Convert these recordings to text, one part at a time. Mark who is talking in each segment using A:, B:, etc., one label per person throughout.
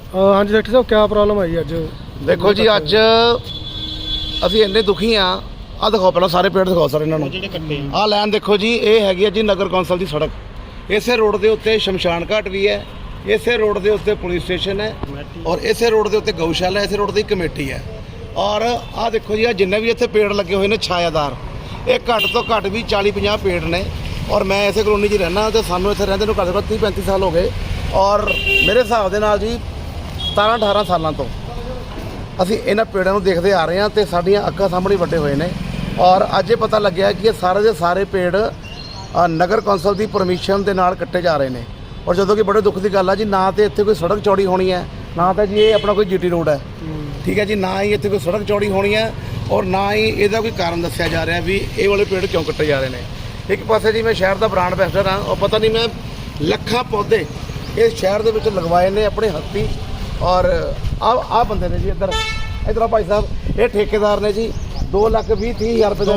A: हाँ जी डॉक्टर साहब क्या प्रॉब्लम आई अज?
B: देखो जी अज ਅਸੀਂ ਇੰਨੇ ਦੁਖੀ ਆ। ਆ ਦਿਖਾਓ ਪਹਿਲਾਂ ਸਾਰੇ ਪੇੜ ਦਿਖਾਓ ਸਰ ਇਹਨਾਂ ਨੂੰ। ਆ ਲਾਈਨ ਦੇਖੋ ਜੀ, ਇਹ ਹੈਗੀ ਹੈ ਜੀ ਨਗਰ ਕੌਂਸਲ ਦੀ ਸੜਕ। ਇਸੇ ਰੋਡ ਦੇ ਉੱਤੇ ਸ਼ਮਸ਼ਾਨ ਘਾਟ ਵੀ ਹੈ, ਇਸੇ ਰੋਡ ਦੇ ਉੱਤੇ ਪੁਲਿਸ ਸਟੇਸ਼ਨ ਹੈ ਔਰ ਇਸੇ ਰੋਡ ਦੇ ਉੱਤੇ ਗਊਸ਼ਾਲਾ, ਇਸੇ ਰੋਡ ਦੀ ਕਮੇਟੀ ਹੈ। ਔਰ ਆ ਦੇਖੋ ਜੀ ਆ ਜਿੰਨੇ ਵੀ ਇੱਥੇ ਪੇੜ ਲੱਗੇ ਹੋਏ ਨੇ ਛਾਇਆਦਾਰ, ਇਹ ਘੱਟ ਤੋਂ ਘੱਟ ਵੀ 40-50 ਪੇੜ ਨੇ। ਔਰ ਮੈਂ ਇਸੇ ਕਲੋਨੀ 'ਚ ਰਹਿਣਾ ਤੇ ਸਾਨੂੰ ਇੱਥੇ ਰਹਿੰਦੇ ਨੂੰ ਘੱਟ ਤੋਂ ਘੱਟ 30-35 ਸਾਲ ਹੋ ਗਏ। ਔਰ ਮੇਰੇ ਹਿਸਾਬ ਦੇ ਨਾਲ ਜੀ 17-18 ਸਾਲਾਂ ਤੋਂ ਅਸੀਂ ਇਹਨਾਂ ਪੇੜਾਂ ਨੂੰ ਦੇਖਦੇ ਆ ਰਹੇ ਹਾਂ ਤੇ ਸਾਡੀਆਂ ਅੱਖਾਂ ਸਾਹਮਣੇ ਵੱਡੇ ਹੋਏ ਨੇ। ਔਰ ਅੱਜ ਇਹ ਪਤਾ ਲੱਗਿਆ ਕਿ ਇਹ ਸਾਰੇ ਦੇ ਸਾਰੇ ਪੇੜ ਨਗਰ ਕੌਂਸਲ ਦੀ ਪਰਮਿਸ਼ਨ ਦੇ ਨਾਲ ਕੱਟੇ ਜਾ ਰਹੇ ਨੇ। ਔਰ ਜਦੋਂ ਕਿ ਬੜੇ ਦੁੱਖ ਦੀ ਗੱਲ ਆ ਜੀ, ਨਾ ਤੇ ਇੱਥੇ ਕੋਈ ਸੜਕ ਚੌੜੀ ਹੋਣੀ ਹੈ, ਨਾ ਤਾਂ ਜੀ ਇਹ ਆਪਣਾ ਕੋਈ ਜੀਟੀ ਰੋਡ ਹੈ, ਠੀਕ ਹੈ ਜੀ, ਨਾ ਹੀ ਇੱਥੇ ਕੋਈ ਸੜਕ ਚੌੜੀ ਹੋਣੀ ਹੈ ਔਰ ਨਾ ਹੀ ਇਹਦਾ ਕੋਈ ਕਾਰਨ ਦੱਸਿਆ ਜਾ ਰਿਹਾ ਵੀ ਇਹ ਵਾਲੇ ਪੇੜ ਕਿਉਂ ਕੱਟੇ ਜਾ ਰਹੇ ਨੇ। ਇੱਕ ਪਾਸੇ ਜੀ ਮੈਂ ਸ਼ਹਿਰ ਦਾ ਬ੍ਰਾਂਡ ਐਂਬੈਸਡਰ ਹਾਂ ਔਰ ਪਤਾ ਨਹੀਂ ਮੈਂ ਲੱਖਾਂ ਪੌਦੇ ਇਸ ਸ਼ਹਿਰ ਦੇ ਵਿੱਚ ਲਗਵਾਏ ਨੇ ਆਪਣੇ ਹੱਥੀਂ। ਔਰ ਆ ਬੰਦੇ ਨੇ ਜੀ ਇੱਧਰ ਆ ਭਾਈ ਸਾਹਿਬ, ਇਹ ਠੇਕੇਦਾਰ ਨੇ ਜੀ 2,20,30,000 ਰੁਪਏ ਦਾ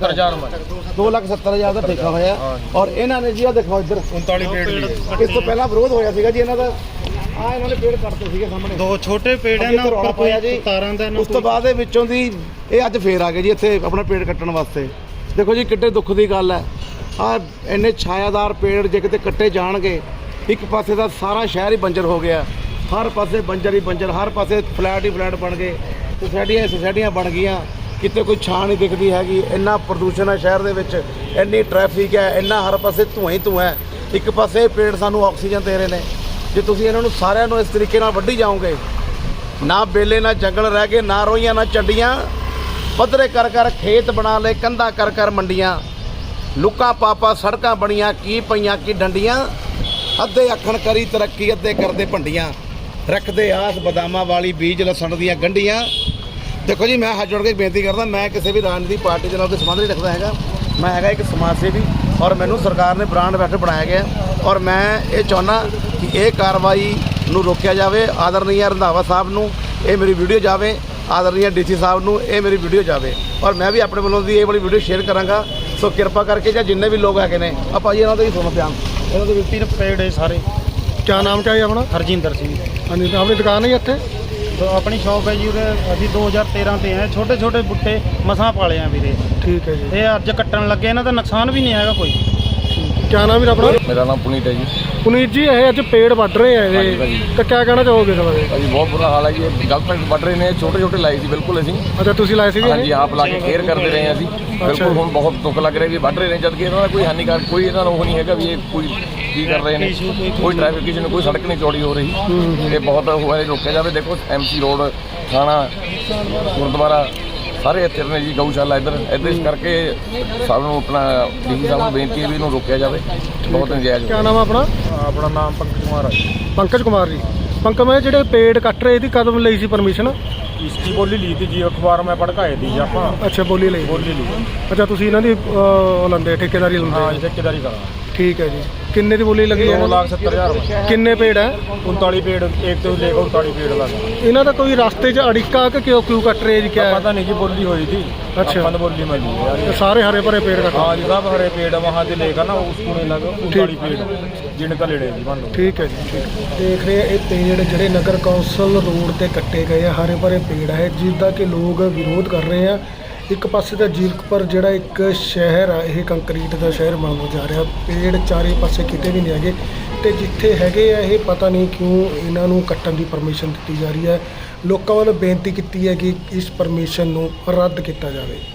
B: 2,70,000 ਦਾ ਠੇਕਾ ਹੋਇਆ। ਔਰ ਇਹਨਾਂ ਨੇ ਜੀ ਆ ਦੇਖੋ ਇੱਧਰ 39 ਪੇੜ ਲਈ ਇਸ ਤੋਂ ਪਹਿਲਾਂ ਵਿਰੋਧ ਹੋਇਆ ਸੀਗਾ ਜੀ ਇਹਨਾਂ ਦਾ। ਆ ਇਹਨਾਂ ਨੇ ਪੇੜ ਕੱਟਦੇ ਸੀਗੇ ਸਾਹਮਣੇ, 2 ਛੋਟੇ ਪੇੜ ਇਹਨਾਂ ਉੱਪਰ ਕੋਈ ਤਾਰਾਂ ਦਾ। ਉਸ ਤੋਂ ਬਾਅਦ ਦੇ ਵਿੱਚੋਂ ਦੀ ਇਹ ਅੱਜ ਫੇਰ ਆ ਗਏ ਜੀ ਇੱਥੇ ਆਪਣਾ ਪੇੜ ਕੱਟਣ ਵਾਸਤੇ। ਦੇਖੋ ਜੀ ਕਿੱਡੇ ਦੁੱਖ ਦੀ ਗੱਲ ਹੈ। ਆ ਇੰਨੇ ਛਾਇਆਦਾਰ ਪੇੜ ਜੇ ਕਿਤੇ ਕੱਟੇ ਜਾਣਗੇ, ਇੱਕ ਪਾਸੇ ਦਾ ਸਾਰਾ ਸ਼ਹਿਰ ਹੀ ਬੰਜਰ ਹੋ ਗਿਆ, ਹਰ ਪਾਸੇ ਬੰਜਰ ਹੀ ਬੰਜਰ, ਹਰ ਪਾਸੇ ਫਲੈਟ ਹੀ ਫਲੈਟ ਬਣ ਗਏ, ਸੁਸਾਇਟੀਆਂ ਬਣ ਗਈਆਂ, ਕਿਤੇ ਕੋਈ ਛਾਂ ਨਹੀਂ ਦਿਖਦੀ ਹੈਗੀ। ਇੰਨਾ ਪ੍ਰਦੂਸ਼ਣ ਹੈ ਸ਼ਹਿਰ ਦੇ ਵਿੱਚ, ਇੰਨੀ ਟ੍ਰੈਫਿਕ ਹੈ, ਇੰਨਾ ਹਰ ਪਾਸੇ ਧੂੰਆਂ ਹੀ ਧੂੰਆਂ ਹੈ। ਇੱਕ ਪਾਸੇ ਪੇੜ ਸਾਨੂੰ ਆਕਸੀਜਨ ਦੇ ਰਹੇ ਨੇ, ਜੇ ਤੁਸੀਂ ਇਹਨਾਂ ਨੂੰ ਸਾਰਿਆਂ ਨੂੰ ਇਸ ਤਰੀਕੇ ਨਾਲ ਵੱਢੀ ਜਾਓਗੇ, ਨਾ ਬੇਲੇ ਨਾ ਜੰਗਲ ਰਹਿ ਗਏ, ਨਾ ਰੋਈਆਂ ਨਾ ਚੱਡੀਆਂ, ਪੱਧਰੇ ਕਰ ਖੇਤ ਬਣਾ ਲਏ, ਕੰਧਾਂ ਕਰ ਮੰਡੀਆਂ, ਲੁੱਕਾਂ ਪਾਪਾ ਸੜਕਾਂ ਬਣੀਆਂ, ਕੀ ਪਈਆਂ ਕੀ ਡੰਡੀਆਂ, ਅੱਧੇ ਅੱਖਣ ਕਰੀ ਤਰੱਕੀ ਅੱਧੇ ਕਰਦੇ ਭੰਡੀਆਂ, ਰੱਖਦੇ ਆਸ ਬਦਾਮਾਂ ਵਾਲੀ ਬੀਜ ਲਸਣ ਦੀਆਂ ਗੰਢੀਆਂ। ਦੇਖੋ ਜੀ ਮੈਂ ਹੱਥ ਜੋੜ ਕੇ ਬੇਨਤੀ ਕਰਦਾ, ਮੈਂ ਕਿਸੇ ਵੀ ਰਾਜਨੀਤਿਕ ਪਾਰਟੀ ਦੇ ਨਾਲ ਕੋਈ ਸੰਬੰਧ ਨਹੀਂ ਰੱਖਦਾ ਹੈਗਾ। ਮੈਂ ਹੈਗਾ ਇੱਕ ਸਮਾਜ ਸੇਵੀ ਔਰ ਮੈਨੂੰ ਸਰਕਾਰ ਨੇ ਬ੍ਰਾਂਡ ਐਂਬੈਸਡਰ ਬਣਾਇਆ ਗਿਆ। ਔਰ ਮੈਂ ਇਹ ਚਾਹੁੰਦਾ ਕਿ ਇਹ ਕਾਰਵਾਈ ਨੂੰ ਰੋਕਿਆ ਜਾਵੇ। ਆਦਰਨੀय ਰੰਧਾਵਾ ਸਾਹਿਬ ਨੂੰ ਇਹ ਮੇਰੀ ਵੀਡੀਓ ਜਾਵੇ, ਆਦਰਨੀय ਡੀਸੀ ਸਾਹਿਬ ਨੂੰ ਇਹ ਮੇਰੀ ਵੀਡੀਓ ਜਾਵੇ। ਔਰ ਮੈਂ ਵੀ ਆਪਣੇ ਵੱਲੋਂ ਦੀ ਇਹ ਵਾਲੀ ਵੀਡੀਓ ਸ਼ੇਅਰ ਕਰਾਂਗਾ। ਸੋ ਕਿਰਪਾ ਕਰਕੇ ਜਾਂ ਜਿੰਨੇ ਵੀ ਲੋਕ ਹੈਗੇ ਨੇ ਆ ਭਾਜੀ ਇਹਨਾਂ ਦਾ ਵੀ ਸੁਣੋ ਧਿਆਨ, ਇਹਨਾਂ ਦੇ ਵਿਅਕਤੀ ਨੇ ਪੇੜ ਹੈ ਸਾਰੇ।
A: क्या नाम क्या है अपना?
C: हरजिंदर सिंह।
A: हाँ जी, अपनी दुकान है इतने?
C: तो अपनी शॉप है जी, अभी 2013 ते हैं, छोटे छोटे बूटे मसां पाले हैं वीरे।
A: ठीक है जी।
C: ये अज कट्टन लगे ना तो नुकसान भी नहीं है कोई।
A: क्या नाम है अपना?
D: मेरा नाम पुनीत है जी।
A: पुनीत जी, ये अज पेड़ बढ़ रहे हैं, तो क्या कहना चाहोगे इस बारे?
D: भाजी बहुत बुरा हाल है जी, गलत बढ़ रहे हैं, छोटे छोटे लाए थे बिल्कुल अभी।
A: अच्छा तुम लाए थे?
D: हाँ जी, आप ला के केयर करते रहे हैं अभी बिल्कुल। हम बहुत दुख लग रहा है भी बढ़ रहे हैं, जबकि इन्होंने कोई हानिकारक कोई इन्होंने वो नहीं है भी ये कोई की कर रहे हैं, कोई ट्रैफिक किसी ने कोई सड़क नहीं चौड़ी हो रही। ये बहुत हुआ है, रोका जाए। देखो MC रोड, थाना, गुरुद्वारा ਸਾਰੇ ਇੱਥੇ ਨੇ ਜੀ, ਗਊਸ਼ਾਲਾ ਇੱਧਰ ਇਸ ਕਰਕੇ ਸਾਨੂੰ ਆਪਣਾ ਡੀਸੀ ਸਾਹਿਬ ਨੂੰ ਬੇਨਤੀ ਹੈ ਵੀ ਇਹਨੂੰ ਰੋਕਿਆ ਜਾਵੇ, ਬਹੁਤ ਨਜਾਇਜ਼।
A: क्या नाम है अपना?
C: अपना नाम पंकज कुमार है।
A: पंकज कुमार जी। पंकज मैं ਜਿਹੜੇ पेड़ ਕੱਟ ਰਹੇ ਇਹਦੀ ਕਦੋਂ ਲਈ ਸੀ ਪਰਮਿਸ਼ਨ?
C: इसकी बोली ली थी जी, अखबार में पढ़काए थी जी आप।
A: ਅੱਛਾ ਬੋਲੀ ਲਈ।
C: बोली ली।
A: ਅੱਛਾ ਤੁਸੀਂ ਇਹਨਾਂ ਦੀ ਉਹ ਲੰਦੇ ਠੇਕੇਦਾਰੀ
C: हाँ
A: ਲੰਦੇ?
C: ठेकेदारी करा।
A: ठीक है जी। किन्ने ਦੀ ਬੋਲੀ ਲੱਗੀ ਹੈ?
C: 2,70,000।
A: ਕਿੰਨੇ पेड़ है?
C: 39 पेड़, एक तो लेकर 39 पेड़ लगा।
A: ਇਹਨਾਂ ਦਾ ਕੋਈ ਰਸਤੇ 'ਚ ਅੜਿੱਕਾ ਕਿ ਕਿਉਂ ਕੱਟ ਰਹੇ ਜੀ? क्या
C: पता नहीं जी, बोली हुई थी।
A: अच्छा।
C: अपन बोली में ली यार।
A: ये सारे हरे भरे पेड़ ਕੱਟ?
C: हाँ जी, सब हरे पेड़ वहाँ से लेकर ना उसको नहीं लगा 39 पेड़ जिनका लेने जी मान लो।
A: ਠੀਕ ਹੈ ਜੀ। ਦੇਖ ਰਹੇ ਇਹ ਪੇੜ ਜਿਹੜੇ ਨਗਰ ਕੌਂਸਲ ਰੋਡ ਤੇ ਕੱਟੇ ਗਏ ਆ, ਹਰੇ ਭਰੇ ਪੇੜ ਹੈ ਜਿਸਦਾ ਕਿ ਲੋਕ ਵਿਰੋਧ ਕਰ ਰਹੇ ਆ। ਇੱਕ ਪਾਸੇ ਤਾਂ ਜੀਰਕਪੁਰ ਜਿਹੜਾ ਇੱਕ ਸ਼ਹਿਰ ਆ, ਇਹ ਕੰਕਰੀਟ ਦਾ ਸ਼ਹਿਰ ਬਣਦਾ ਜਾ ਰਿਹਾ, ਪੇੜ ਚਾਰੇ ਪਾਸੇ ਕਿਤੇ ਵੀ ਨਹੀਂ ਹੈਗੇ, ਤੇ ਜਿੱਥੇ ਹੈਗੇ ਆ ਇਹ ਪਤਾ ਨਹੀਂ ਕਿਉਂ ਇਹਨਾਂ ਨੂੰ ਕੱਟਣ ਦੀ ਪਰਮਿਸ਼ਨ ਦਿੱਤੀ ਜਾ ਰਹੀ ਹੈ। ਲੋਕਾਂ ਵੱਲੋਂ ਬੇਨਤੀ ਕੀਤੀ ਹੈ ਕਿ ਇਸ ਪਰਮਿਸ਼ਨ ਨੂੰ ਰੱਦ ਕੀਤਾ ਜਾਵੇ।